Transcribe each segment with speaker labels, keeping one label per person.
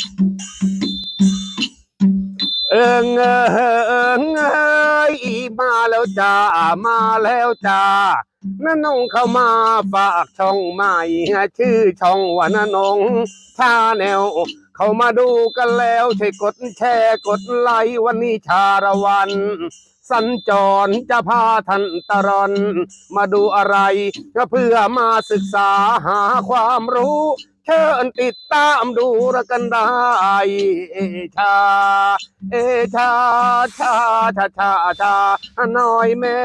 Speaker 1: เอิงเอิงเอยมาแล้วจ้ามาแล้วจ้าน้านงเข้ามาฝากช่องใหม่ชื่อช่องว่าน้านงชาแนลเข้ามาดูกันแล้วใช่กดแชร์กดไลค์วันนี้ชาละวันสัญจรจะพาท่านตะรอนมาดูอะไรก็เพื่อมาศึกษาหาความรู้เชิญติดตามดูแล้วกันได้ชาชาชาชาชาชาหน่อยแม่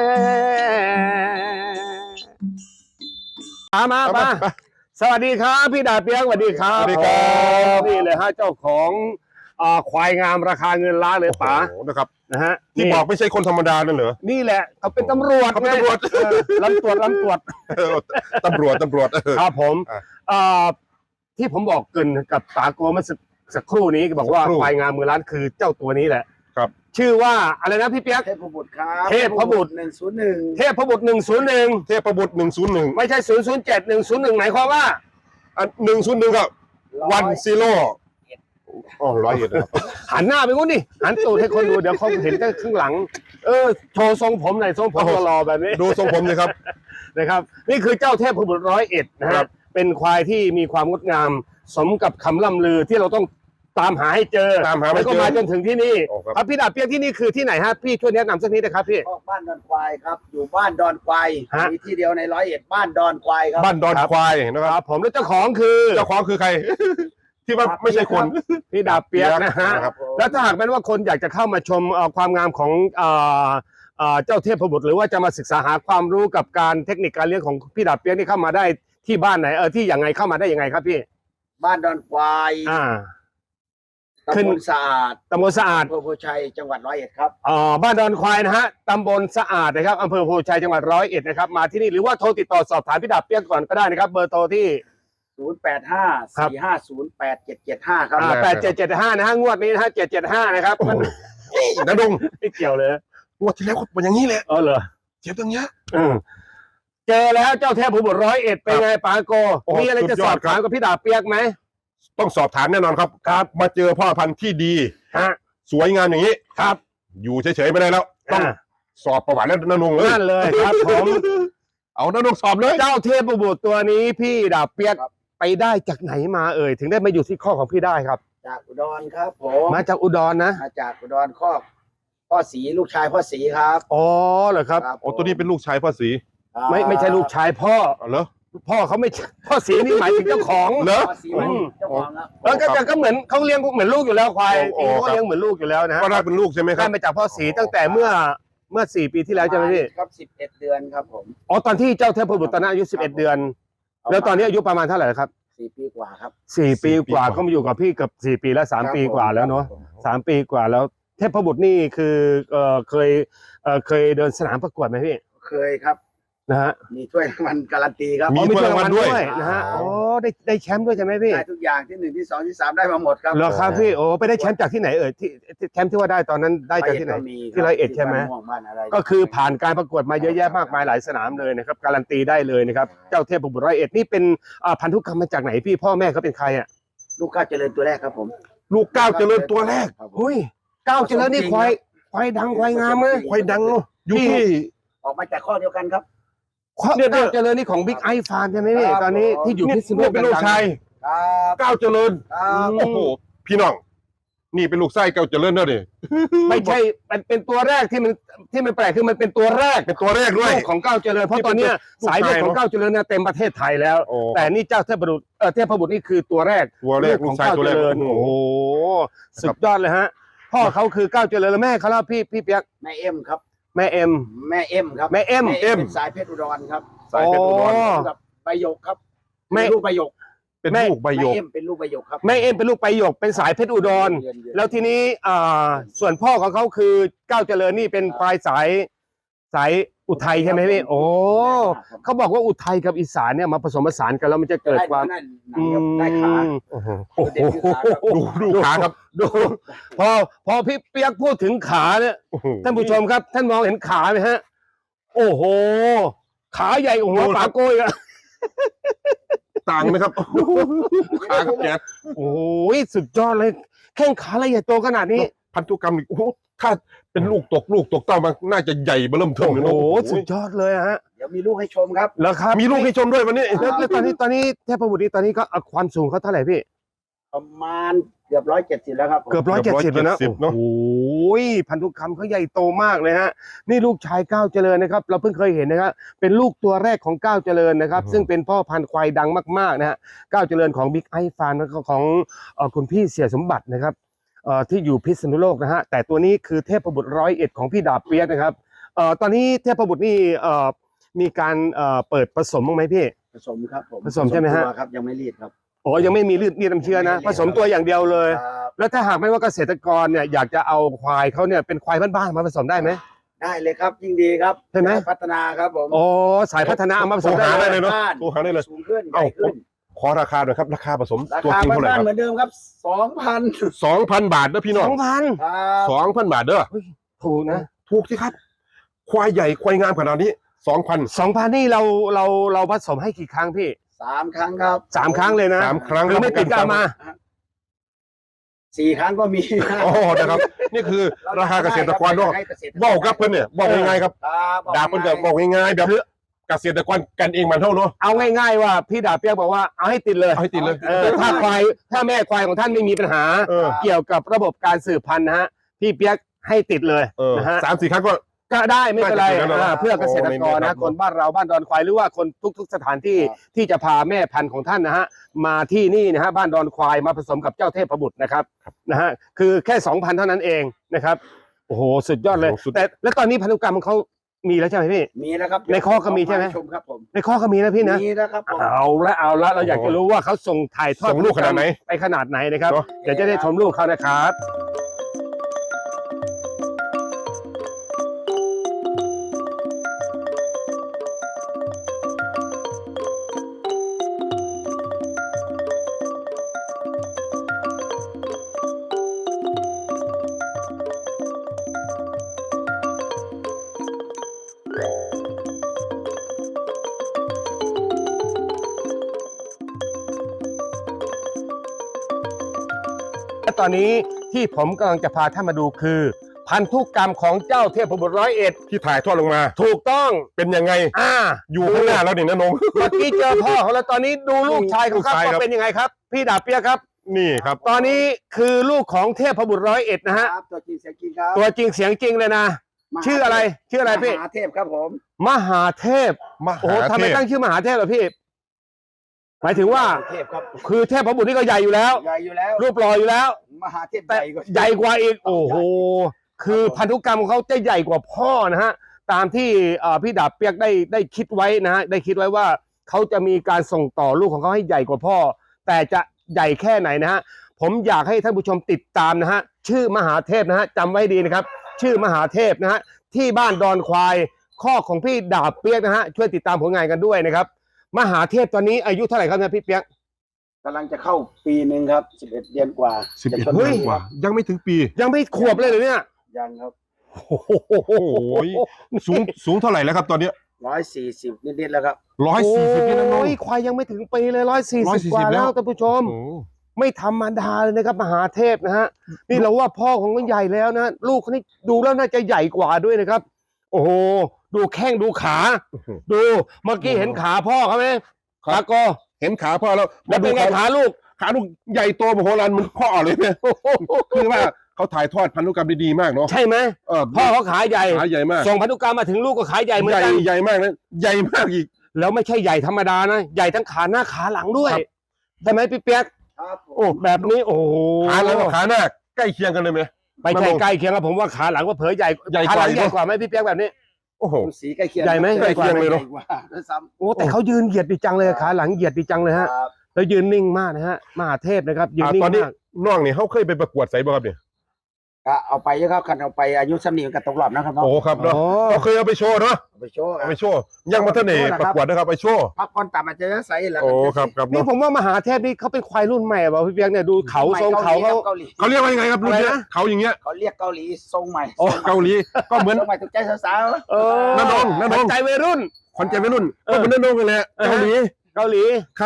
Speaker 1: มาสวัสดีครับพี่ดาเปียกสวัสดีครับ
Speaker 2: สวัสดีครับ
Speaker 1: นี่เลยฮะเจ้าของควายงามราคาเงินล้านเลยป๋า
Speaker 2: นะครับ
Speaker 1: นะฮะ
Speaker 2: ที่บอกไม่ใช่คนธรรมดานั่นเหรอ
Speaker 1: นี่แหละเขาเป็นตำรวจ
Speaker 2: เขาเป็นตำรวจ
Speaker 1: ลำตรวจ
Speaker 2: ตำรวจ
Speaker 1: ครับผม
Speaker 2: อ่า
Speaker 1: ที่ผมบอกเกรินกับตาโกเมื่อสักครู่นี้บอกว่า
Speaker 2: สักครู่
Speaker 1: ควายงามมือล้านคือเจ้าตัวนี้แหละ
Speaker 2: ครับ
Speaker 1: ชื่อว่าอะไรนะพี่เปียก
Speaker 3: เทพบุตรครับ
Speaker 1: เทพบุตร
Speaker 3: 101
Speaker 1: เทพบุตร101
Speaker 2: เทพบุตร101
Speaker 1: ไม่ใช่007 101หมายความว่า
Speaker 2: อัน101ก็วันซีโร่อ๋อ101นะครับ
Speaker 1: หันหน้าไปงู้นดิหันตูดให้คนดูเดี๋ยวเขาเห็นแต่ข้างหลังโชว์ทรงผมหน่อยทรงผมหล่อๆแบบนี้
Speaker 2: ดูทรงผมเลยครับ
Speaker 1: นะครับนี่คือเจ้าเทพบุตร101นะ
Speaker 2: ครั
Speaker 1: ฮะ
Speaker 2: บ
Speaker 1: เป็นควายที่มีความงดงามสมกับคำล่ำลือที่เราต้องตามหาให้เจอ
Speaker 2: ตามหาไม่
Speaker 1: แล้วก็
Speaker 2: เจอ
Speaker 1: มาจนถึงที่นี่
Speaker 2: โอ้ครับ
Speaker 1: ครับพี่ดาบเปียกที่นี่คือที่ไหนฮะพี่ช่วยแนะนำสักนิดนะครับพี่
Speaker 3: ออกบ้านดอนควายครับ อยู่บ้านดอนควาย
Speaker 1: ฮะ
Speaker 3: มีที่เดียวใน101บ้านดอนควายครับ
Speaker 2: บ้านดอนควายนะ
Speaker 1: ค
Speaker 2: ค
Speaker 1: รั
Speaker 2: รั
Speaker 1: บบ ผมแล้วเจ้าของคือ
Speaker 2: เจ้าของคือใคร ที่ว่าไม่ใช่คน
Speaker 1: พี่ดาบเปียกนะฮะ
Speaker 2: ครับ
Speaker 1: แล้วถ้าหากเป็นว่าคนอยากจะเข้ามาชมความงามของเจ้าเทพบุตรหรือว่าจะมาศึกษาหาความรู้กับการเทคนิคการเลี้ยงของพี่ดาบเปียกนี่เข้ามาได้ที่บ้านไหนที่ยังไงเข้ามาได้ยังไงครับพี่
Speaker 3: บ้านดอนควาย
Speaker 1: ขึ้น
Speaker 3: ตำบลสะอาด
Speaker 1: ตำบลสะอาด
Speaker 3: อำเภอโพชัยจังหวัด101ครับ
Speaker 1: บ้านดอนควายนะฮะตำบลสะอาดนะครับอำเภอโพชัยจังหวัด101นะครับมาที่นี่หรือว่าโทรติดต่อสอบถามพี่ดาบเปียกก่อนก็ได้นะครับเบอร์โทรที่
Speaker 3: 085-450-8775 ครับ
Speaker 1: 8775นะฮะงวดนี้นะฮะ775นะครับมัน
Speaker 2: นะดง
Speaker 1: ไม่เกี่ยวเลย
Speaker 2: งวดที่แล้วก็เป็นอย่างนี้แหละ
Speaker 1: เหรอ
Speaker 2: เจ็บตรงเนี้ย
Speaker 1: อืมเจอแล้วเจ้าเทพบุตร101เป็นไงปาโก
Speaker 2: โอ้
Speaker 1: มีอะไรจะ
Speaker 2: สุดย
Speaker 1: ส
Speaker 2: อ
Speaker 1: อ
Speaker 2: ด
Speaker 1: บ
Speaker 2: ครับ
Speaker 1: ถามกับพี่ดาบเปียกไหม
Speaker 2: ต้องสอบถามแน่นอนครับ
Speaker 1: ครับ
Speaker 2: มาเจอพ่อพันธุ์ที่ดี
Speaker 1: ฮะ
Speaker 2: สวยงามอย่างนี้
Speaker 1: ครับ
Speaker 2: อยู่เฉยๆไม่ได้แล้ว ต้อง
Speaker 1: อ่า
Speaker 2: สอบประวัติแล้วนะนงเลย
Speaker 1: นั่นเลยครับผม
Speaker 2: เอานะนงสอบเลย
Speaker 1: เจ้าเทพบุตรตัวนี้พี่ดาบเปียกไปได้จากไหนมาถึงได้มาอยู่ที่ข้อของพี่ได้ครับ
Speaker 3: จากอุดรครับผม
Speaker 1: มาจากอุดรนะ
Speaker 3: มาจากอุดรคอกพ่อศรีลูกชายพ่อศรีครับ
Speaker 1: อ๋อเหรอครับ
Speaker 2: โอ้ตัวนี้เป็นลูกชายพ่อศรี
Speaker 1: ไม่ใช่ลูกชายพ่อ
Speaker 2: อ๋อเหรอ
Speaker 1: พ่อเขาไม่ใช่พ่อสีนี่หมายถึงเจ้าของ
Speaker 2: เหรอ
Speaker 3: พ่อศรีมันเจ้าของครับ
Speaker 1: แล้วก็เหมือนเขาเลี้ยงเหมือนลูกอยู่แล้วควาย
Speaker 2: โอ้
Speaker 1: เขา
Speaker 2: ครับ
Speaker 1: เลี้ยงเหมือนลูกอยู่แล้วนะฮะ
Speaker 2: ก็น่าเป็นลูกใช่ไหมค
Speaker 1: ได้
Speaker 2: รับ
Speaker 1: มาจากพ่อสีตั้งแต่เมื่อ4 ปีที่แล้วใช่ไหมพี่
Speaker 3: ครับ11 เดือนครับผม
Speaker 1: อ๋อตอนที่เจ้าเทพบุตรตอนนั้นอายุ11 เดือน แล้วตอนนี้อายุประมาณเท่าไหร่ครับ
Speaker 3: 4 ปีกว่าครับ
Speaker 1: 4 ปีกว่าก็มาอยู่กับพี่เกับ4 ปีแล้ว3 ปีกว่าแล้วเนาะ3 ปีกว่าแล้วเทพบุตรนี่คือเคยเดินสนามประกวดไหมพี่
Speaker 3: เคยครับ
Speaker 1: นะฮะ
Speaker 3: มีถ้วยรางวัลการันตีครับ
Speaker 2: มี
Speaker 1: อ๋อ
Speaker 2: ถ้วยรางวัลด้วย
Speaker 1: นะฮะอ๋อได้แชมป์ด้วยใช่ไหมพี่
Speaker 3: ได้ทุกอย่างที่1ที่2ที่3ได้มาหมดครับ
Speaker 1: เหรอครับพี่โอ้ไปได้แชมป์จากที่ไหนที่แชมป์ที่ว่าได้ตอนนั้นได้จากที่ไหน ที่101ใช่ไหม
Speaker 3: บ้านม่วงบ้านอะไร
Speaker 1: ก็คือผ่านการประกวดมาเยอะแยะมากมายหลายสนามเลยนะครับการันตีได้เลยนะครับเจ้าเทพบุตร101นี่เป็นพันธุกรรมมาจากไหนพี่พ่อแม่เขาเป็นใครอ่ะ
Speaker 3: ลูกก้าวเจริญตัวแรกครับผม
Speaker 2: ลูกก้าวเจริญตัวแรก
Speaker 3: ครับผม
Speaker 1: เฮ้ยก้าวเจริญนี่ควายดังควายงามเลย
Speaker 2: ควายดังเนอะอยู่ที่
Speaker 3: ออกมาจากข้อเดียวกันครับ
Speaker 1: ก้าวเจริญนี่ของบิ๊กไอฟาร์มใช่ไหมพี่
Speaker 3: ครับ
Speaker 1: ตอนนี้ที่อยู่ที่สนุ
Speaker 2: นี่
Speaker 1: ก
Speaker 2: เป็นลูกชาย
Speaker 3: ครับ
Speaker 2: ก้าวเจริญ
Speaker 3: ครับ
Speaker 2: โอ้โหพี่น้องนี่เป็นลูกไส้ก้าวเจริญเนอะดิ
Speaker 1: ไม่ใช่เป็นตัวแรกที่มันแปลกคือมันเป็นตัวแรก
Speaker 2: เป็นตัวแรกด้วย
Speaker 1: ลูกของก้าวเจริญเพราะตอนเนี้ย
Speaker 2: ลูกชาย
Speaker 1: สายเลือดของก้าวเจริญเนี่ยเต็มประเทศไทยแล้ว
Speaker 2: โอ้
Speaker 1: แต่นี่เจ้าเทพบุตรนี่คือตัวแรก
Speaker 2: ตัวแรกลูกชายตัวแรก
Speaker 1: โอ้โหสุดยอดเลยฮะพ่อเขาคือก้าวเจริญแล้วแม่เขาแล้วพี่เปียก
Speaker 3: แม่เอ็มครับ
Speaker 1: แม่เอ็ม
Speaker 3: แม่เอ็มครับ
Speaker 1: แม่เอ็ม
Speaker 3: เป็นสายเพชรอุดรครับ
Speaker 2: สายเพชรอุดร
Speaker 3: กับใบหยกครับ
Speaker 1: แม่
Speaker 3: เป็นลูกใบหยก
Speaker 2: เป็นลูกใบหยก
Speaker 3: แม่เอ็มเป็นลูกใบหยกครับ
Speaker 1: แม่เอ็มเป็นลูกไปหยกเป็นสายเพชรอุดร
Speaker 3: เยือน
Speaker 1: แล้วทีนี้ส่วนพ่อของเขาคือก้าวเจริญนี่เป็นควายสายอุทัยใช่ไหมพี่โอ้เขาบอกว่าอุทัยกับอีสานเนี่ยมาผสมผสานกันแล้วมันจะเกิดความ
Speaker 3: ได้หนังครับได้ขา
Speaker 1: โอ้โห
Speaker 3: เด็กคือขาครับ
Speaker 2: ดูขาครับ
Speaker 1: ดูพอพี่เปียกพูดถึงขาเนี่ย
Speaker 2: โอ้โห
Speaker 1: ท่านผู้ชมครับท่านมองเห็นขาไหมฮะ โอ้โห ขาใหญ่กว่าหัว
Speaker 2: ดูครับ
Speaker 1: ปลาโก้ยอะ
Speaker 2: ต่างไหมครับคางแก๊ส
Speaker 1: โอ้ยสุดยอดเลยแข้งขาละเอียดโตขนาดนี้
Speaker 2: พันธุกรรมนี่โอ้โหถ้าเป็นลูกตกเต้ามันน่าจะใหญ่เบิ่มเทิม
Speaker 1: โอ้
Speaker 2: เลย
Speaker 1: โห
Speaker 2: เนาะ
Speaker 1: สุดยอดเลยฮะ
Speaker 3: เดี๋ยวมีลูกให้ชมครับ
Speaker 1: แล้วครับ
Speaker 2: มีลูกให้ชมด้วยวันนี้
Speaker 1: แล้วตอนนี้เทพบุตรนี่ตอนนี้ก็ความสูงเขาเท่าไหร่พี่
Speaker 3: ประมาณเกือบ170แล้วครับผม
Speaker 1: เกือบ170แล้วนะ
Speaker 2: เนาะ
Speaker 1: โอ้ยพันธุกรรมเขาใหญ่โตมากเลยฮะนี่ลูกชายก้าวเจริญนะครับเราเพิ่งเคยเห็นนะครับเป็นลูกตัวแรกของก้าวเจริญนะครับซึ่งเป็นพ่อพันธุ์ควายดังมากๆนะฮะก้าวเจริญของบิ๊กไอฟาร์มแล้วก็ของคุณพี่เสียสมบัตินะครับที่อยู่พิษณุโลกนะฮะแต่ตัวนี้คือเทพบุตร101ของพี่ดาบเปียกนะครับตอนนี้เทพบุตรนี่มีการเปิดผสมบ้างไหมพี่
Speaker 3: ผสมครับผม
Speaker 1: ผสมใช่ไหมฮะ
Speaker 3: ตัวครับยังไม่รีดครับ
Speaker 1: อ๋อยังไม่มีเลือดน้ำเชื้อนะผสมตัวอย่างเดียวเลย
Speaker 3: ครับ
Speaker 1: แล้วถ้าหากไม่ว่าเกษตรกรเนี่ยอยากจะเอาควายเขาเนี่ยเป็นควายบ้านๆมาผสมได้ไหม
Speaker 3: ได้เลยครับยิ่งดีครับ
Speaker 1: ใช่ไหม
Speaker 3: พัฒนาครับผม
Speaker 1: โอ้สายพัฒนาเอามาผสม
Speaker 2: หา
Speaker 1: ได้
Speaker 2: ได้
Speaker 1: เล
Speaker 2: เลย ยเนาะโทรหาได้เลย
Speaker 3: สูงขึ้นให
Speaker 2: เอ้า
Speaker 3: ญ่ขึ้น
Speaker 2: ขอราคาหน่อยครับราคาผสม
Speaker 3: รา
Speaker 2: ตัว
Speaker 3: คา
Speaker 2: จริงเท่าไหร่
Speaker 3: บ้าน
Speaker 2: ค
Speaker 3: ๆเหมื
Speaker 2: รับ
Speaker 3: อนเดิมครับ 2,000
Speaker 2: 2,000 บาทเด้อพี่น้อง
Speaker 1: 2,000
Speaker 3: ครับ
Speaker 2: 2,000 บาทเด้อ
Speaker 1: ถูกนะ
Speaker 2: ถูกสิครับ ควายใหญ่ควายงามขนาดนี้ 2,000
Speaker 1: 2,000นี่เราผสมให้กี่ครั้งพี่
Speaker 3: 3 ครั้งครับ
Speaker 1: 3 ครั้งเลยนะ
Speaker 2: 3 ครั้ง
Speaker 1: หรือไม่ติดก็เอามา
Speaker 3: 4 ครั้งก็มี
Speaker 2: โอ้นะครับ นี่คือราคาเกษตรกรเนาะ
Speaker 3: ให้เกษตรกร
Speaker 2: บอกกับเพิ่นเนี่ยบอกง่ายๆครับ
Speaker 3: ครับ
Speaker 2: ดาบเพิ่นก็บอกง่ายๆแบบเกษตรกรกันเองมันเท่าเนาะ
Speaker 1: เอาง่ายๆว่าพี่ดาบเปียกบอกว่าเอาให้ติดเลย
Speaker 2: เอาให้ติดเลย
Speaker 1: ถ้าแม่ควายของท่านไม่มีปัญหา
Speaker 2: เออ
Speaker 1: เกี่ยวกับระบบการสืบพันธุ์นะฮะพี่เปียกให้ติดเลย
Speaker 2: เออ
Speaker 1: นะฮะ
Speaker 2: 3-4 ครั้งก็
Speaker 1: ก็ได้ไม่เป็นไร
Speaker 2: น่าจะถึงแล้วเนอะ
Speaker 1: เพื่อเกษตรกร
Speaker 2: โอ้
Speaker 1: นะ
Speaker 2: ใน
Speaker 1: คนบ้านเราบ้านดอนควายหรือว่าคนทุกๆสถานที่ที่จะพาแม่พันธุ์ของท่านนะฮะมาที่นี่นะฮะบ้านดอนควายมาผสมกับเจ้าเทพบุตรนะครับนะฮะคือแค่ 2,000 เท่านั้นเองนะครับโอ้โหสุดยอดเลย
Speaker 2: โอ้สุด
Speaker 1: แต่แล้วตอนนี้พันธุกรรมของเขามีแล้วใช่ไหมพี่
Speaker 3: มีแล้วครับ
Speaker 1: ในข้อก็มีใช่ไหม
Speaker 3: ชมครับผม
Speaker 1: ในข้อก็มีนะพี่นะ
Speaker 3: มีแล้วครับผม
Speaker 1: เอาละเราอยากจะรู้ว่าเขาส่งถ่ายทอด
Speaker 2: ส่งลูกขนาดไหน
Speaker 1: ไปขนาดไหนนะครับ
Speaker 2: เนอะ
Speaker 1: เดี๋ยวจะได้ชมลูกเขานะครับ และตอนนี้ที่ผมกำลังจะพาท่านมาดูคือ พันธุกรรมของเจ้าเทพบุตร101
Speaker 2: ที่ถ่ายทอดลงมา
Speaker 1: ถูกต้อง
Speaker 2: เป็นยังไง อยู่ข้างหน้าแล้วนี่นะนง
Speaker 1: เมื่อกี้เจอพ่อเขาแล้วตอนนี้ดูลูกชายของเขา
Speaker 2: ลูกชายครับ
Speaker 1: ว่าเป็นยังไงครับ พี่ดาบเปียกครับ
Speaker 2: นี่ครับ
Speaker 1: ตอนนี้คือลูกของเทพบุตร101นะฮะ
Speaker 3: ครับตัวจริงเสียงจริงครับ
Speaker 1: ตัวจริงเสียงจริงเลยนะ ชื่ออะไรพี่
Speaker 3: มหาเทพครับผม
Speaker 1: มหาเทพ
Speaker 2: ม
Speaker 1: โอ้โห
Speaker 2: หา
Speaker 1: ทำ
Speaker 2: เท
Speaker 1: ไม
Speaker 2: พ
Speaker 1: ตั้งชื่อมหาเทพเหรอพี่ หมายถึงว่า
Speaker 3: เทพครับ
Speaker 1: คือเทพบุตรนี่ก็ใหญ่อยู่แล้ว
Speaker 3: ใหญ่อยู่แล้ว
Speaker 1: รูปหล่ออยู่แล้ว
Speaker 3: มหาเทพ
Speaker 1: แต่
Speaker 3: ใหญ่กว่า
Speaker 1: ใหญ่กว่าอีก โอ้โห คือพันธุกรรมของเขาจะใหญ่กว่าพ่อนะฮะ ตามที่พี่ดาบเปียกได้คิดไว้นะฮะ ได้คิดไว้ว่าเขาจะมีการส่งต่อลูกของเขาให้ใหญ่กว่าพ่อ แต่จะใหญ่แค่ไหนนะฮะ ผมอยากให้ท่านผู้ชมติดตามนะฮะ ชื่อมหาเทพนะฮะจำไว้ดีนะครับ ชื่อมหาเทพนะฮะ ที่บ้านดอนควายข้อของพี่ดาบเปียกนะฮะ ช่วยติดตามผลงานกันด้วยนะครับ มหาเทพตอนนี้อายุเท่าไหร่ครับเนี่ยพี่เปียก
Speaker 3: กำลังจะเข้าปีหนึ่งครับ11 เดือนกว่า
Speaker 2: 11
Speaker 3: จะชน
Speaker 2: เฮ้ย
Speaker 3: ปี
Speaker 2: กว่ายังไม่ถึงปี
Speaker 1: ยังไม่ขวบเลยเหรอเนี่ย
Speaker 3: ยังครับ
Speaker 1: โอ้โห
Speaker 2: โอ้ยสูงเท่าไหร่แล้วครับตอนเนี้ย
Speaker 3: 140นิดๆแล้วครับ
Speaker 2: 140นี่นะน้อง
Speaker 1: โอ้ยควายยังไม่ถึงปีเลย140 กว่า
Speaker 2: 140
Speaker 1: แล้วท่านผู้ชม
Speaker 2: โอ้
Speaker 1: ไม่ธรรมดาเลยนะครับมหาเทพนะฮะนี่เราว่าพ่อของมันใหญ่แล้วนะลูกเขานี่ดูแล้วน่าจะใหญ่กว่าด้วยนะครับ โอ้โหดูแข้งดูขา ดูเมื่อกี้เห็นขาพ่อเขาไหมขาโก
Speaker 2: เห็นขาพ่อแล้ว
Speaker 1: แล้วเป็นไงขาลูก
Speaker 2: ขาลูกใหญ่โตมโหฬารเหมันพ่อเลยเนี่ยคือว่าเขาถ่ายทอดพันธุกรรมดีๆมากเนาะ
Speaker 1: ใช่ไหม พ่อเขาขาใหญ่
Speaker 2: ขาใหญ่มาก
Speaker 1: ส่งพันธุกรรมมาถึงลูกก็ขาใหญ่เหมือนกัน
Speaker 2: ใหญ่มากนะใหญ่มากอีก
Speaker 1: แล้วไม่ใช่ใหญ่ธรรมดานะใหญ่ทั้งขาหน้าขาหลังด้วย
Speaker 2: ครับ
Speaker 1: ใช่ไหมพี่เปียก
Speaker 3: ครับผม
Speaker 1: โอ้แบบนี้โอ้โห
Speaker 2: ขาหลังกับขาหน้าใกล้เคียงกันเลยไหม
Speaker 1: ไม่ใช่ใกล้เคียงกับผมว่าขาหลังว่าเผยใหญ่
Speaker 2: ใหญ่กว่า
Speaker 1: ขาหลัง
Speaker 2: อีก
Speaker 1: ใหญ่
Speaker 2: เนอะ
Speaker 1: กว่าไหมพี่เปียกแบบนี้
Speaker 2: โอ้โห
Speaker 3: สีใกล้เคียง
Speaker 1: ใหญ่ไหม
Speaker 2: ใกล้เคียงเลยเนอะ
Speaker 3: ใหญ่กว่าด้วยซ้
Speaker 1: โอ้แต่เขายืนเหยียดดีจังเลยขาหลังเหยียดดีจังเลย
Speaker 3: ำ
Speaker 1: ฮะ
Speaker 3: ครับ
Speaker 1: แล้วยืนนิ่งมากนะฮะมหาเทพนะครับยืนนิ่ง
Speaker 2: ตอนนี้
Speaker 1: มาก
Speaker 2: น้องนี่เขาเคยไปประกวดไสบ่ครับเนี่ย
Speaker 3: ก็เอาไปเยอะครับคันเอาไปอายุซ้ำนี่กันตกรอบนะครับเนาะ
Speaker 2: โอ้ครับเนาะ
Speaker 1: อ๋อ
Speaker 2: เขาเคยเอาไปโชว์เนาะ
Speaker 3: เอาไปโชว์ค
Speaker 2: เอา
Speaker 3: รับ
Speaker 2: ไปโชว์ยังมาเท่าไหร่ประกวดนะครับไปโชว์
Speaker 3: พักผ่อนตามอาจจะใส่แล้ว
Speaker 2: โอ้ครับครับ
Speaker 1: นี่
Speaker 2: เนาะ
Speaker 1: ผมว่ามหาเทพนี่เขาเป็นควายรุ่นใหม่เปล่าพี่เปียกเนี่ยดูเขาทรงเขาเขา
Speaker 3: เกาหลี
Speaker 2: เขาเรียกว่ายังไงครับรุ่นเนี้ย
Speaker 1: อะไรนะ
Speaker 2: เขาอย่างเงี้ย
Speaker 3: เขาเรียกเกาหลีทรงใหม่
Speaker 2: โอ้เกาหลีก็เหมือน
Speaker 3: ทรงใหม่ถูกใจสาว
Speaker 1: เออ
Speaker 2: น้าน้อง
Speaker 1: ใจวัยรุ่น
Speaker 2: คนใจวัยรุ่นก็เหมือนน้าน้องกันแหละเกาหลี
Speaker 1: เกาหลี
Speaker 2: ครับ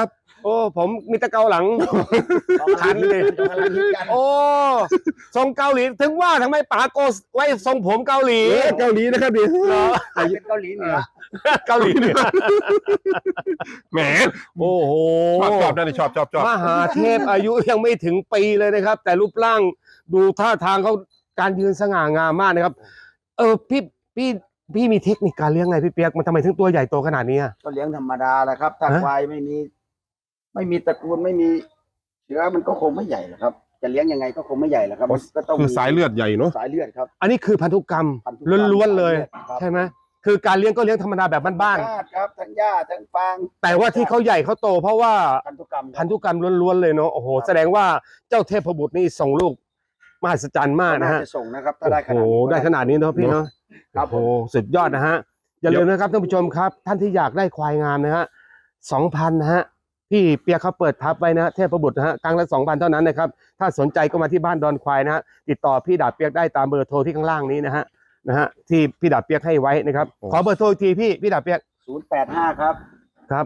Speaker 1: โอ้ผมมีแต่เกาหลัง
Speaker 3: คันเลยกำลังฮิตกัน
Speaker 1: โอ้ทรงเกาหลีถึงว่าทำไมป๋าโกไว้ทรงผมเกาหลี
Speaker 2: เกาหลีนะครับดิ
Speaker 1: เหรอ
Speaker 3: เป็นเกาหลีเหนือ
Speaker 1: เกาหลีเหนือ
Speaker 2: แหม
Speaker 1: โอ้โห
Speaker 2: ชอบนั่นชอบ
Speaker 1: มหาเทพอายุยังไม่ถึงปีเลยนะครับ แต่รูปร่างดูท่าทางเขาการยืนสง่างามมากนะครับ พี่มีเทคนิคการเลี้ยงไงพี่เปียกมันทำไมถึงตัวใหญ่โตขนาดนี้อะ
Speaker 3: ก็เลี้ยงธรรมดาแหละครับถ้า
Speaker 1: ฮะ
Speaker 3: ควายไม่มีตระกูลไม่มีเชื้อมันก็คงไม่ใหญ่หรอกครับ จะเลี้ยงยังไงก็คงไม่ใหญ่หรอกครับก็ต้อง
Speaker 2: คือสายเลือดใหญ่เนาะ
Speaker 3: สายเลือดครับ
Speaker 1: อันนี้คือพันธุกรรม
Speaker 3: พันธุกรรม
Speaker 1: ล้วนๆเลย
Speaker 3: ครับ
Speaker 1: ใช่ไหมคือการเลี้ยงก็เลี้ยงธรรมดาแบบบ้าน
Speaker 3: ธรรมชติครับทั้งหญ้าทั้งฟาง
Speaker 1: ๆแต่ว่าที่เขาใหญ่เขาโตเพราะว่า
Speaker 3: พันธุกรรม
Speaker 1: พันธุกรรมล้วนๆเลยเนาะโอ้โหแสดงว่าเจ้าเทพบุตรนี่ส่งลูกมหัศจรรย์มากนะฮะ
Speaker 3: จะส่งนะครับถ้า
Speaker 1: โอ้
Speaker 3: ได้ข
Speaker 1: โห
Speaker 3: นาดนี้
Speaker 1: ได้ขนาดนี้เนาะพี่เนาะ
Speaker 3: ครับ
Speaker 1: โอ้โหสุดยอดนะฮะอย่าลืมนะครับท่านผู้ชมครับ ท่านที่อยากได้ควายงามนะฮะ 2,000 นะฮะพี่เปียกเขาเปิดทับไว้นะฮะเทพบุตรนะฮะครั้งละ 2,000 เท่านั้นนะครับถ้าสนใจก็มาที่บ้านดอนควายนะฮะติดต่อพี่ดาบเปียกได้ตามเบอร์โทรที่ข้างล่างนี้นะฮะที่พี่ดาบเปียกให้ไว้นะครับขอเบอร์โทรอีกทีพี่ดาบเปียก
Speaker 3: 085ครับ
Speaker 1: ครับ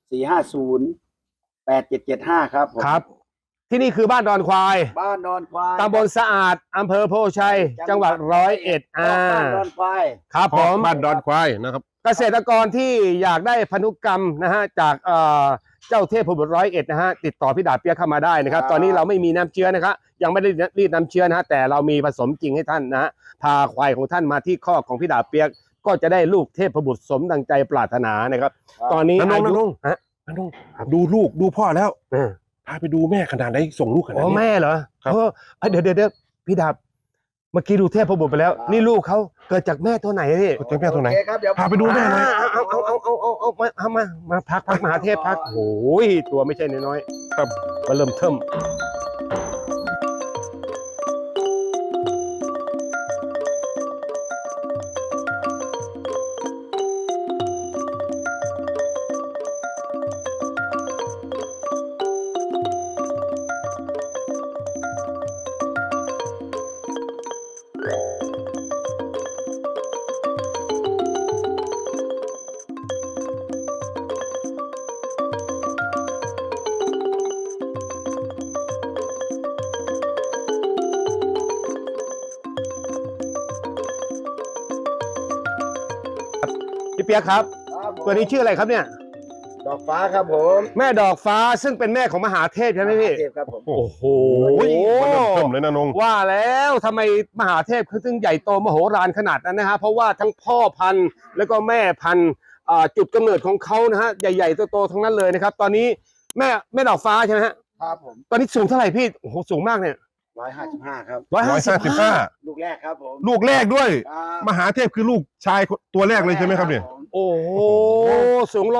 Speaker 3: 450 8775ครับผม
Speaker 1: ครับ ที่นี่คือบ้านดอนควาย
Speaker 3: บ้านดอนควาย
Speaker 1: ตำบลสะอาดอำเภอโพชัยจังหวัด101
Speaker 3: บ้านดอนควาย
Speaker 1: ครับผม
Speaker 2: บ้านดอนควายนะครับ
Speaker 1: เกษตรกรที่อยากได้พันธุกรรมนะฮะจากเจ้าเทพบุตร101นะฮะติดต่อพี่ดาบเปียกเข้ามาได้นะครับ ตอนนี้เราไม่มีน้ำเชื้อนะครับยังไม่ได้รีดน้ำเชื้อนะฮะแต่เรามีผสมจริงให้ท่านนะฮะพาควายของท่านมาที่คอกของพี่ดาบเปียกก็จะได้ลูกเทพบุตรสมดังใจปรารถนานะครับ ตอนนี้
Speaker 2: น้องๆ
Speaker 1: อายุ
Speaker 2: น้อง
Speaker 1: ฮะ
Speaker 2: น้องดูลูกดูพ่อแล้ว
Speaker 1: เออ
Speaker 2: พาไปดูแม่ขนาดไหนส่งลูกขนาด
Speaker 1: อ๋อ
Speaker 2: นี้
Speaker 1: แม่เหรอ
Speaker 2: ครับ
Speaker 1: เดี๋ยวพี่ดาบเมื่อกี้ดูเทพบุตรไปแล้ว นี่ลูกเขาเกิดจากแม่ตัวไหนพี่
Speaker 2: เจอแม่ตัวไหน
Speaker 3: โอเคครับเดี๋ยว
Speaker 2: พาไปดูแม่หน่อย
Speaker 1: เอามาพักมหาเทพพักโอ้ยตัวไม่ใช่น้อยๆครับมาเริ่มเทิมพี่เปียกครับ
Speaker 3: ครับผม
Speaker 1: ตัวนี้ชื่ออะไรครับเนี่ย
Speaker 3: ดอกฟ้าครับผม
Speaker 1: แม่ดอกฟ้าซึ่งเป็นแม่ของมหาเทพใช่ไหมพี่
Speaker 3: เทพครับผม
Speaker 2: โอ้โห
Speaker 1: โอ้โห
Speaker 2: มันเริ่มเทิมเลยนะนง
Speaker 1: ว่าแล้วทำไมมหาเทพเขาถึงใหญ่โตมโหฬารขนาดนั้นนะฮะเพราะว่าทั้งพ่อพันธุ์แล้วก็แม่พันธุ์จุดกำเนิดของเขานะฮะใหญ่ๆโตๆทั้งนั้นเลยนะครับ ตอนนี้แม่ดอกฟ้าใช่ไหมฮะ
Speaker 3: ครับผม
Speaker 1: ตอนนี้สูงเท่าไหร่พี่โอ้โหสูงมากเนี่ย
Speaker 3: 155ครับ
Speaker 2: 155
Speaker 3: ลูกแรกครับผม
Speaker 2: ลูกแรกด้วย
Speaker 3: ครับ
Speaker 2: มหาเทพคือลูกชายตัวแรกเลยใช่ไหมครับเนี่ย
Speaker 3: ผม
Speaker 1: โอ้โหสูง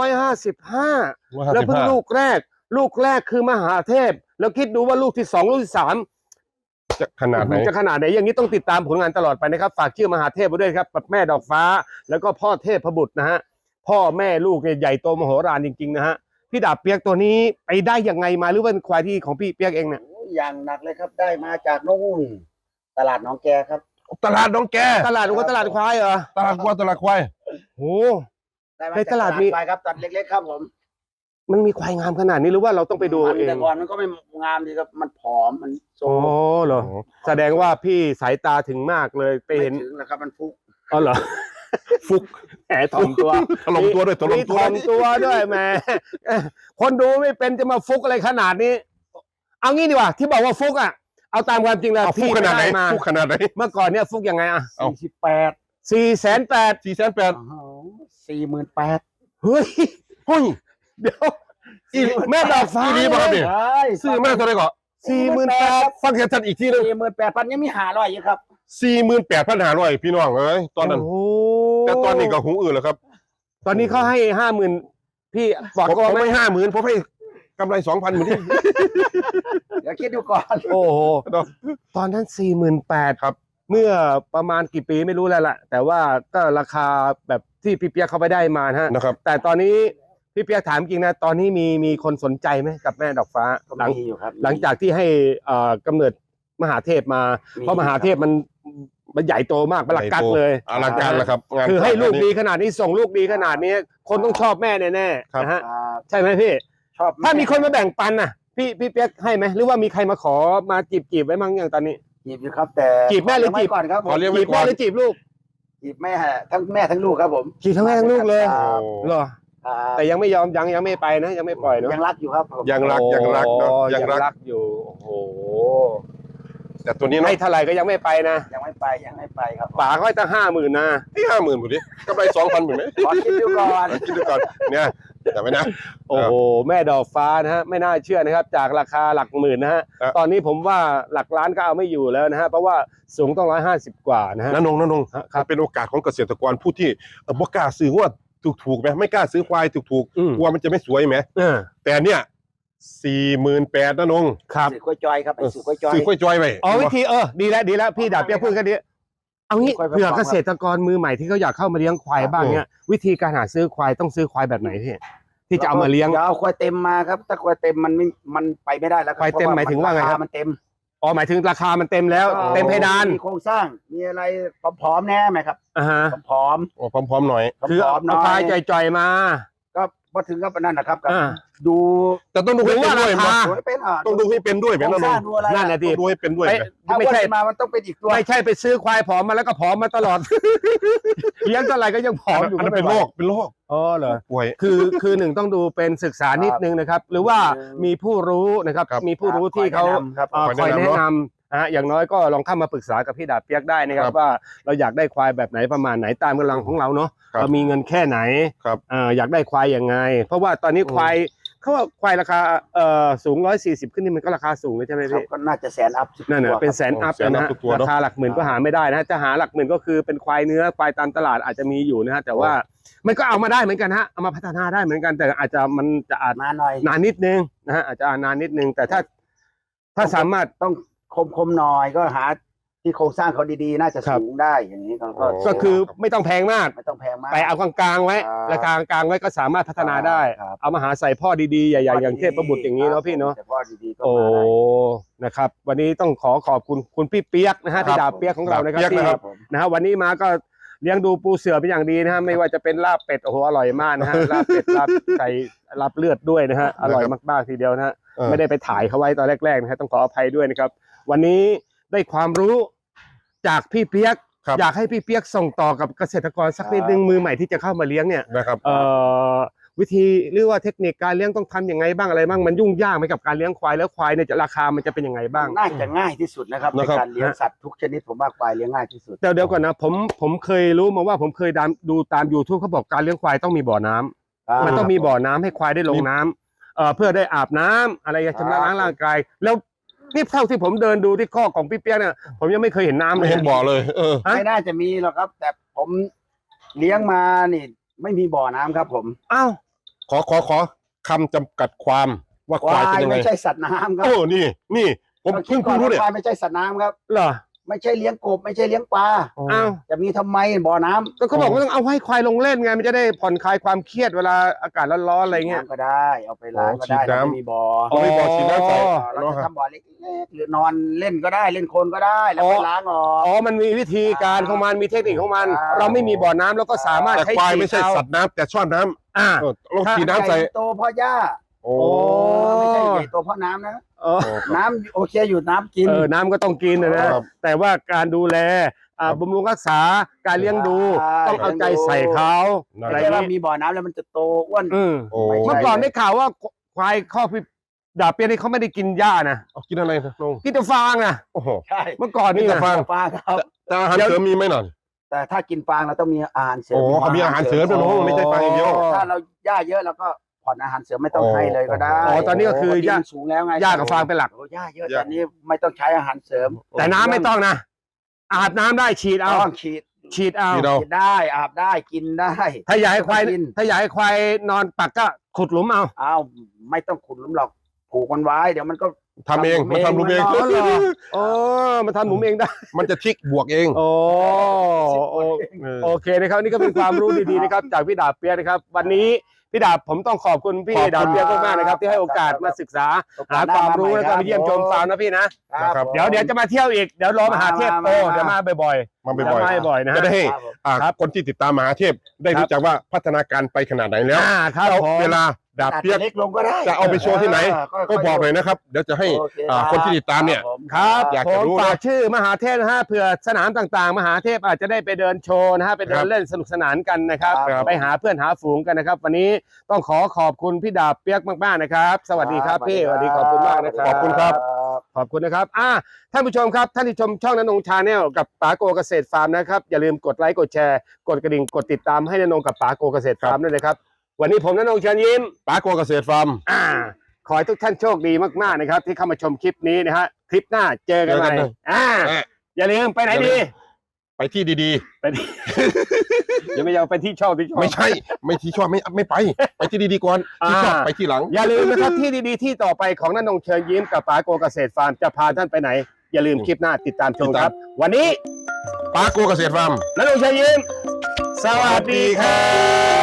Speaker 1: 155แล้วเพิ่งลูกแรกคือมหาเทพ แล้วคิดดูว่าลูกที่2ลูกที่3
Speaker 2: จะขนาดไหน
Speaker 1: จะขนาดไหนอย่างนี้ต้องติดตามผลงานตลอดไปนะครับฝากชื่อมหาเทพไว้ด้วยครับแม่ดอกฟ้าแล้วก็พ่อเทพบุตรนะฮะพ่อแม่ลูกเนี่ยใหญ่โตมโหฬารจริงๆนะฮะพี่ดาบเปียกตัวนี้ไปได้ยังไงมาหรือว่าเป็นควายที่ของพี่เปียกเองเนี่ย
Speaker 3: โอ้ยอย่างหนักเลยครับได้มาจากนู่นตลาดหนองแกครับ
Speaker 2: ตลาดน้องแก
Speaker 1: ตลาดหรือว่าตลาดควายเหรอ
Speaker 2: ตลาดวัวตลาดควาย
Speaker 1: โห
Speaker 3: ได้มา
Speaker 1: ใน
Speaker 3: จาก
Speaker 1: ตลาดมี
Speaker 3: ควายครับตัดเล็กๆครับผม
Speaker 1: มันมีควายงามขนาดนี้หรือว่าเราต้องไปดู
Speaker 3: มัน
Speaker 1: เอง
Speaker 3: แต่ก่อนมันก็ไม่งามดีครับมันผอมมันโซ
Speaker 1: อ๋อเหรอแสดงว่าพี่สายตาถึงมากเลยไป
Speaker 3: ไม่
Speaker 1: เห็น
Speaker 3: ถึงนะครับมันฟุก
Speaker 1: อ๋อเหรอ
Speaker 2: ฟุก
Speaker 1: แหมถ่อมตัว
Speaker 2: ถล่มตัวด้วยถล่ม
Speaker 1: มี
Speaker 2: ตัว
Speaker 1: ถ่อมตัวด้วยแหมคนดูไม่เป็นจะมาฟุกอะไรขนาดนี้ เอางี้ดีกว่าที่บอกว่าฟุกอ่ะเอาตามความจริงแล้ว
Speaker 2: เอาฟุก
Speaker 1: พี่
Speaker 2: ขนาดไหน
Speaker 1: ม่มา
Speaker 2: ฟุกขนาดไหน
Speaker 1: เมื่อก่อนเนี่ยฟุกยังไงอ่ะ
Speaker 2: เอา
Speaker 3: 48
Speaker 1: 480,000
Speaker 3: 48,000
Speaker 1: เฮ้ย
Speaker 2: เฮ้ย
Speaker 1: เดี๋ยวแม่ดอกฟ้า
Speaker 2: อีนี่ป่ะครับเนี่ย
Speaker 3: ใช่
Speaker 2: ซื้อแม่เท่าไหร่ก่อน
Speaker 1: 48,000
Speaker 2: ฟังชัดๆอีกทีหนึง
Speaker 3: 48,000ยังมี500อยู่ครับ
Speaker 2: 48,500พี่น้องเอ้ยตอนนั้น
Speaker 1: โอ้โห
Speaker 2: แต่ตอนนี้ก็หูอื่นแล้วครับ
Speaker 1: ตอนนี้เขาให้50,000พี่บอก
Speaker 2: ผม
Speaker 1: ก็
Speaker 2: ไม่50,000ผมให้กำไร 2,000เหมือนที่
Speaker 3: เดี๋ยวคิดดูก่อน
Speaker 1: โอ้โหตอนนั้น48,000
Speaker 2: ครับ
Speaker 1: เมื่อประมาณกี่ปีไม่รู้แล้วล่ะ แต่ว่าก็ราคาแบบที่พี่เปียกเขาไปได้มานะฮะ
Speaker 2: นะครับ
Speaker 1: แต่ตอนนี้พี่เปียกถามจริงนะตอนนี้มีคนสนใจไหมกับแม่ดอกฟ้าหลัง
Speaker 3: มีอยู่ครับ
Speaker 1: หลังจากที่ให้กำเนิดมหาเทพมา เพราะมหาเทพมันใหญ่โตมากมันลักกักเลย
Speaker 2: อลังการแล้วครับงาน
Speaker 1: คือให้ลูกดีขนาดนี้ส่งลูกดีขนาดนี้ คนต้องชอบแม่แน่
Speaker 2: ครับ
Speaker 1: ๆนะฮะ
Speaker 3: ครับ
Speaker 1: ใช่ไหมพี่
Speaker 3: ชอบ
Speaker 1: ถ้ามีคนมาแบ่งปันน่ะพี่เปียกให้ไหมหรือว่ามีใครมาขอมาจีบไว้มั้งอย่างตอนนี้
Speaker 3: จีบอยู่ครับ แต่
Speaker 1: จีบแม่หรือจีบ
Speaker 3: ก่อนครับผม
Speaker 2: ขอเลี้ยง
Speaker 1: จี
Speaker 2: ไว้
Speaker 1: บแม่หรือจีบลูก
Speaker 3: จีบแม่ทั้งแม่ทั้งลูกครับผม
Speaker 1: จีบทั้งแม่ทั้งลูกเลย
Speaker 3: ครับ
Speaker 1: เหรอ
Speaker 3: ครับ
Speaker 1: แต่ยังไม่ยอมยังไม่ไปนะยังไม่ปล่อยเนาะ
Speaker 3: ยังรักอยู่ครับผม
Speaker 2: ยังรักเนาะ
Speaker 1: โอ้
Speaker 2: ยังรัก
Speaker 1: อยู่โอ้โห
Speaker 2: แต่ตัวนี้เนาะ
Speaker 1: ให้เท่าไหร่ก็ยังไม่ไปนะ
Speaker 3: ยังไม่ไปครับ
Speaker 1: ป๋าเขาให้ตั้ง50,000นะ
Speaker 2: ที่50,000หมดดิกำไร2,000หมดไหม
Speaker 3: ขอคิดดูก่อน
Speaker 2: คิดดูก่อนเนี่ยจำไว้นะ
Speaker 1: โอ้โหแม่ดอกฟ้านะฮะไม่น่าเชื่อนะครับจากราคาหลักหมื่นนะฮะ
Speaker 2: ครับ
Speaker 1: ตอนนี้ผมว่าหลักล้านก็เอาไม่อยู่แล้วนะฮะเพราะว่าสูงต้อง150กว่านะฮะ
Speaker 2: น้านง
Speaker 1: ครับ
Speaker 2: เป็นโอกาสของเกษตรกรผู้ที่บ่กล้าซื้อว่าถูกไหมไม่กล้าซื้อควายถูก
Speaker 1: อืม
Speaker 2: กลัวมันจะไม่สวยไหม แต่เนี่ย48,000น้านง
Speaker 1: ครับ
Speaker 3: สื่อกล้วยจอยครับไอ้สื่อกล้วยจอย
Speaker 2: ซื้อกล้วยจอยไว้
Speaker 1: อ๋อวิธีดีแล้วพี่ดาบเปียกพูดกันดีเอางี้
Speaker 3: ค่อยๆ
Speaker 1: เผื่อ
Speaker 3: ฟังครับ
Speaker 1: เกษตรกรมือใหม่ที่เขาอยากเข้ามาเลี้ยงควายบ้างเนี่ยวิธีการหาซื้อควายต้องซื้อควายแบบไหนพี่ที่จะเอามาเลี้ยง
Speaker 3: อย่าเอาควายเต็มมาครับถ้าควายเต็มมันไปไม่ได้แล้วครับ
Speaker 1: ควายเต็มหมายถึงว่าไงครับ
Speaker 3: มันเต็ม
Speaker 1: อ๋อหมายถึงราคามันเต็มแล้ว เต็มเพดาน
Speaker 3: มีโครงสร้างมีอะไรพร้อมๆแน่ไหมครับ
Speaker 1: อ่าฮะ
Speaker 3: พร้อม
Speaker 2: โอ้พร้อมๆหน่อย
Speaker 3: ๆ
Speaker 1: คือ
Speaker 3: พร้อ
Speaker 1: เอา
Speaker 3: มๆหน่อ
Speaker 1: ควาย
Speaker 3: ย
Speaker 1: จ่อยๆมา
Speaker 3: ก็พอถึงก็นั่นนะครับก็
Speaker 1: อ่า
Speaker 3: ดู
Speaker 2: แต่ต้องดูให้เป็นด้วย
Speaker 1: ดูว่าราคา
Speaker 3: ดูให้เป็น
Speaker 2: ต้องดูให้เป็นด้วยไหม
Speaker 3: โครง
Speaker 2: น้า
Speaker 3: ส
Speaker 2: น
Speaker 3: ร้าง
Speaker 2: ง
Speaker 3: ดูอะไร
Speaker 1: นั่นแหละดิ
Speaker 2: ต้องดูให้เป็นด้วย
Speaker 1: ไม่
Speaker 2: ไหม
Speaker 3: ถ้า
Speaker 1: ไม่
Speaker 3: อ้วน
Speaker 1: ใช่
Speaker 3: ขึ้นมามันต้องเป็นอีกตัว
Speaker 1: ไม่ใช่ไปซื้อควายผอมมาแล้วก็ผอมมาตลอด เลี้ยงเท่าไหร่ก็ยังผอมอยู่
Speaker 2: อันนั้นเป็น
Speaker 1: ไม่
Speaker 2: โร
Speaker 1: ไหว
Speaker 2: คเป็นโรค
Speaker 1: อ๋อเหรอ
Speaker 2: ป่วย
Speaker 1: คือหนึ่งต้องดูเป็นศึกษานิดนึงนะครับ หรือว่ามีผู้รู้นะครับ
Speaker 2: ครับ
Speaker 1: มีผู้รู้ที่เขา
Speaker 3: ครับ
Speaker 1: คอยแนะนำอย่างน้อยก็ลองเข้ามาปรึกษากับพี่ดาบเปียกได้นะครั
Speaker 2: ครับ บ
Speaker 1: ว่าเราอยากได้ควายแบบไหนประมาณไหนตามกำลังของเราเนาะ
Speaker 2: ครับ
Speaker 1: เรามีเงินแค่ไหน
Speaker 2: ครับ
Speaker 1: อยากได้ควายยังไง เพราะว่าตอนนี้ควายเขาว่าควายราคาสูง140ขึ้นนี่มันก็ราคาสูงเลยใช่ไหม
Speaker 3: ครับ
Speaker 1: พี่
Speaker 3: ก็น่าจะ100,000 อัพ
Speaker 1: นั่นน่ะเป็นแสนอัพ
Speaker 2: แสนอัพ
Speaker 1: นะฮะ
Speaker 2: ทุกตัวเนอะ
Speaker 1: ราคาหลักหมื่นก็หาไม่ได้นะจะหาหลักหมื่นก็คือเป็นควายเนื้อควายตามตลาดอาจจะมีอยู่นะฮะแต่ว่ามันก็เอามาได้เหมือนกันฮะเอามาพัฒนาได้เหมือนกันแต่อาจจะมันจะอาจ
Speaker 3: มาหน่อย
Speaker 1: นานนิดนึงนะฮะอาจจะนานนิดนึงแต่ถ้าสามารถ
Speaker 3: ต้องคมหน่อยก็หาที่โครงสร้างเขาดีๆ น่าจะ
Speaker 1: ครับ
Speaker 3: สูงได้อย่างนี้ก็
Speaker 1: ก็คือไม่ต้องแพงมาก
Speaker 3: ไม่ต้องแพงมาก
Speaker 1: ไปเอากลางๆไว้
Speaker 3: ครับ
Speaker 1: ราคากลางๆไว้ก็สามารถพัฒนาได้
Speaker 3: ครับ
Speaker 1: เอามาหาใส่พ่อดีๆใหญ่ๆอย่างเทพบุตรอย่างนี้เนาะพี่เนาะ
Speaker 3: แต่พ่อดีๆก็
Speaker 1: โอ้
Speaker 3: มาได้
Speaker 1: นะครับ วันนี้ต้องขอบคุณคุณพี่เปียกนะฮะ
Speaker 3: ครับ
Speaker 1: พี่ดาบเปียกของเรานะครับ
Speaker 2: ดาบเปี๊ยก
Speaker 1: ที่
Speaker 2: นะครับ
Speaker 3: ผม
Speaker 1: นะฮะวันนี้มาก็เลี้ยงดูปูเสือเป็นอย่างดีนะฮะไม่ว่าจะเป็นลาบเป็ดโอ้โหอร่อยมากนะฮะ ลาบเป็ดลาบไก่ลาบเลือดด้วยนะฮะอร่อยมากๆทีเดียวนะฮะ ไม่ได้ไปถ่ายเขาไว้ตอนแรกๆนะฮะต้องขออภัยด้วยนะครับ วันนี้ได้ความรู้จากพี่เปียก
Speaker 2: ครับ
Speaker 1: อยากให้พี่เปียกส่งต่อกับเกษตรกรสักนิดนึงมือใหม่ที่จะเข้ามาเลี้ยงเนี่ย
Speaker 2: นะครับ
Speaker 1: วิธีหรือว่าเทคนิคการเลี้ยงต้องทำยังไงบ้างอะไรบ้างมันยุ่งยากไหมกับการเลี้ยงควายแล้วควายเนี่ยจะราคามันจะเป็นยังไงบ้าง
Speaker 3: น่าจะง่ายที่สุดนะครับใน
Speaker 2: นะครับ
Speaker 3: การเลี้ยงสัตว์ทุกชนิดผมว่าควายเลี้ยงง่ายที่สุด
Speaker 1: เดี๋ยวก่อนนะผมเคยรู้มาว่าผมเคยดูตาม YouTube เขาบอกการเลี้ยงควายต้องมีบ่อน้ำ มันต้องมีบ่อน้ำให้ควายได้ลงน้ำเพื่อได้อาบน้ำอะไรชำระล้างร่างกายแล้วนี่เท่าที่ผมเดินดูที่ข้อของพี่เปียกเนี่ยผมยังไม่เคยเห็นน้ำเล
Speaker 2: ไม่
Speaker 1: ย
Speaker 2: เห็นบ่อเลย
Speaker 1: ฮะ
Speaker 3: ไม่น่าจะมีหรอกครับ แต่ผมเลี้ยงมานี่ไม่มีบ่อน้ำครับผม
Speaker 1: อ้าว
Speaker 2: ขอคำจำกัดความว่าควายเป็นยังไง
Speaker 3: ไม่ใช่สัตว์น้ำครับ
Speaker 2: โอ้นี่ผมเพิ่งรู้เนี่ย
Speaker 3: ควายไม่ใช่สัตว์น้ำครับ
Speaker 1: เหรอ
Speaker 3: ไม่ใช่เลี้ยงกบไม่ใช่เลี้ยงปลา
Speaker 1: อ้าว
Speaker 3: จะมีทำไมบ่อน้ำ
Speaker 1: ก็เขาบอกว่าต้องเอาให้ควายลงเล่นไงมันจะได้ผ่อนคลายความเครียดเวลาอากาศร้อนๆอะไรเงี้ย
Speaker 3: น้ำก็ได้เอาไปล้างก็ได้
Speaker 2: ฉีดน้ำ
Speaker 3: เราไม่มีบ่อ
Speaker 2: เอาไปบ่อฉีดน้ำใส่
Speaker 3: เราจะทำบ่อเล็กๆหรือนอนเล่นก็ได้เล่นโคลนก็ได้แล้วไปล้างออก
Speaker 1: อ๋อมันมีวิธีการของมันมีเทคนิคของมัน
Speaker 3: อ่า
Speaker 1: เราไม่มีบ่อน้ำเราก็สามารถ
Speaker 2: แต่
Speaker 1: ใช้
Speaker 2: ควาย
Speaker 1: ฉีด
Speaker 2: ไม่ใช่
Speaker 1: เอา
Speaker 2: สัตว์น้ำแต่ชอบน้
Speaker 1: อ่า
Speaker 2: ำลองฉีดน้ำใส่
Speaker 3: ใหญ่โตเพราะหญ้า
Speaker 2: โอ้
Speaker 3: ไม่ใช่ใหญ่โตเพราะน้ำนะ
Speaker 1: เออ
Speaker 3: น้ำโอเคอยู่น้ำกิน
Speaker 1: น้ำก็ต้องกินนะครับ แต่ว่าการดูแลบำรุงรักษาการเลี้ยงดู
Speaker 3: ใช่
Speaker 1: ต้องเอาใจใส่เขา
Speaker 2: ได้
Speaker 1: อะไร
Speaker 3: ไม่ใช่ว่า
Speaker 1: นี้
Speaker 3: มีบ่อน้ำแล้วมันจะโตอ้วน
Speaker 2: โอ้
Speaker 3: ไม่ใช่
Speaker 1: เมื่อก่อนได้ข่าวว่าควายข้อพี่ดาบเปียนี่เขาไม่ได้กินหญ้านะ
Speaker 2: เอากินอะไรนะลง
Speaker 1: กินแต่ฟางนะ
Speaker 2: โอ้โห
Speaker 3: ใช่
Speaker 1: เมื่อก่อนนี่
Speaker 2: กินแต่
Speaker 1: นะ
Speaker 2: ฟาง
Speaker 3: ฟางครับ
Speaker 2: แต่อาหารเสริมมีไหมหน่อย
Speaker 3: แต่ถ้ากินฟางเราต้องมีอาหารเสริม
Speaker 2: โอ้เขามีอาหารเสริมด้วย
Speaker 1: โอ้
Speaker 2: ไม่ใช่ฟางอย่างเดียว
Speaker 3: ถ้าเราหญ้าเยอะเราก็ผ่อนอาหารเสริมไม่ต้องให้เลยก็ได้
Speaker 1: อ๋อตอนนี้ก็คือหญ้า
Speaker 3: ปติมันสูงแล้วไง
Speaker 1: หญ้ากับฟางเป็นหลัก
Speaker 3: โอ้หญ้าเยอะตอนนี้ไม่ต้องใช้อาหารเสริม
Speaker 1: แต่น้ำไม่ต้องนะอาบน้ำได้ฉีดเอา
Speaker 3: ต้องฉีด
Speaker 1: ฉีดเอา
Speaker 2: ฉีดเอา
Speaker 3: กินได้อาบได้กินได้
Speaker 1: ถ้าอยากให้ควาย
Speaker 3: กิน
Speaker 1: ถ้าอยากให้ควายนอนปักก็ขุดหลุมเอา
Speaker 3: อ้าวไม่ต้องขุดหลุมหรอกผูกมันไว้เดี๋ยวมันก็
Speaker 2: ทำเองมันทำรูปเอง
Speaker 3: มันนอน
Speaker 1: โอ้มันทำหลุมเองได้
Speaker 2: มันจะทิกบวกเอง
Speaker 1: โอ้
Speaker 2: เออ
Speaker 1: โอเคนะครับนี่ก็เป็นความรู้ดีๆนะครับจากพี่ดาบเปียกนะครับ วันนี้พี่ดาบผมต้องขอบคุณพี่
Speaker 2: ขอบคุณ
Speaker 1: ดาบเปียกมากๆนะครับที่ให้โอกาสมาศึกษาหาความรู้แล้วก็มาเยี่ยมชมฟาร์มนะพี่นะ
Speaker 3: ครับ
Speaker 2: ครับ
Speaker 1: เดี๋ยวจะมาเที่ยวอีกเดี๋ยวรอมหาเทพโต
Speaker 3: มา
Speaker 1: เดี๋ยวมาบ่อย
Speaker 2: มาบ่อย
Speaker 1: จะมาบ่อยๆนะ
Speaker 2: ๆจะได้ให้
Speaker 1: ครับ
Speaker 2: คนที่ติดตามมหาเทพได้รู้จักว่าพัฒนาการไปขนาดไหนแล้ว
Speaker 1: ครับ
Speaker 2: แล้ว
Speaker 1: ผม
Speaker 2: เวลาดาบ
Speaker 3: อาจ
Speaker 2: เปีย
Speaker 3: จะ
Speaker 2: ก
Speaker 3: เล็กลงก็ได้
Speaker 2: จะเอาไปโชว์ที่ไหน
Speaker 3: ค่ยๆ
Speaker 2: ก็บอกเลยนะครับ เดี๋ยวจะให้
Speaker 3: โอเค
Speaker 2: คนที่ติดตามเนี่ย
Speaker 1: ครับ
Speaker 2: อยาก
Speaker 1: ผ
Speaker 2: จะ
Speaker 1: ม
Speaker 2: รู้นะ
Speaker 1: ฝากชื่อมหาเทพนะฮะเผื่อสนามต่างๆ มหาเทพอาจจะได้ไปเดินโชว์นะฮะไปเดิ
Speaker 2: ครั
Speaker 1: น
Speaker 2: บ
Speaker 1: เล่นสนุกสนานกันนะครับ
Speaker 2: ครับ
Speaker 1: ไปหาเพื่อนหาฝูงกันนะครับ วันนี้ต้องขอบคุณพี่ดาบเปียกมากๆนะครับ สวัสดีครับพี่สวัสดีขอบคุณมากนะครับ
Speaker 2: ขอบคุณครับ
Speaker 1: ขอบคุณนะครับท่านผู้ชมครับท่านที่ชมช่องณนงชาแนลกับป๋าโกเกษตรฟาร์มนะครับอย่าลืมกดไลค์กดแชร์กดกระดิ่งกดติดตามให้ณนงกับป๋าโกเกษตรฟาร์มด้วยนะครับวันนี้ผมณนงเชิญยิ้ม
Speaker 2: ป้าโกเกษตรฟาร์ม
Speaker 1: ขอให้ทุกท่านโชคดีมากๆนะครับที่เข้ามาชมคลิปนี้นะฮะคลิปหน้าเจอกันใหม่
Speaker 2: เจอกันนะ
Speaker 1: อย่าลืมไปไหน
Speaker 2: อย่าลื
Speaker 1: ดี
Speaker 2: ม ไปที่ดี
Speaker 1: ไปที่ อย่าไม่ยอมไปที่ชอบที่ชอบ
Speaker 2: ๆ ไม่ใช่ ไม่ที่ชอบไม่ไป ไปที่ดีๆก่อนที่ชอบไปที่หลัง
Speaker 1: อย่าลืมนะครับที่ดีๆที่ต่อไปของณนงเชิญยิ้มกับป๋าโกเกษตรฟาร์มจะพาท่านไปไหนอย่าลืมคลิปหน้าติดตามชมครับ วันนี้
Speaker 2: ป้าโกเกษตรฟาร์ม
Speaker 1: ณนงเชิญยิ้มสวัสดีครับ